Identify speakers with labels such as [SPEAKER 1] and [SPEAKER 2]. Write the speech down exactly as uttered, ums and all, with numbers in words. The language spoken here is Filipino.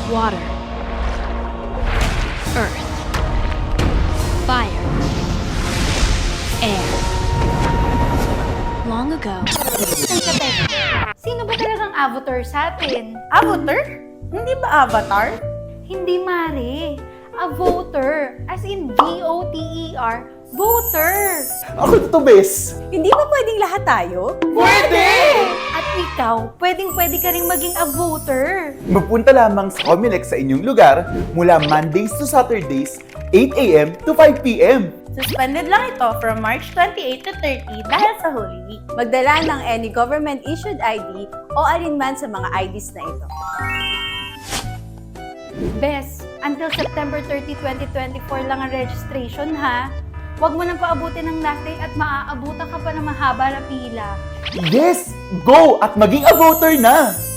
[SPEAKER 1] Water. Earth. Fire. Air. Long ago,
[SPEAKER 2] Teka, teka. Sino ba talagang avatar sa atin? Avatar? Hindi ba avatar? Hindi, Mare. A voter. As in V O T E R. Voter.
[SPEAKER 3] Ako to, bes!
[SPEAKER 4] Hindi ba pwedeng lahat tayo?
[SPEAKER 3] Pwede!
[SPEAKER 2] At ikaw, pwedeng-pwede ka rin maging a voter.
[SPEAKER 3] Magpunta lamang sa Comelec sa inyong lugar mula Mondays to Saturdays, eight a m to five p m
[SPEAKER 2] Suspended lang ito from March twenty-eighth to thirty dahil sa Holy Week.
[SPEAKER 4] Magdala ng any government-issued I D o alinman sa mga I Ds na ito.
[SPEAKER 2] Bes, until September thirtieth, twenty twenty-four lang ang registration, ha? Huwag mo nang paabutin ng last day at maaabutan ka pa ng mahaba na pila.
[SPEAKER 3] Yes! Go! At maging a voter na!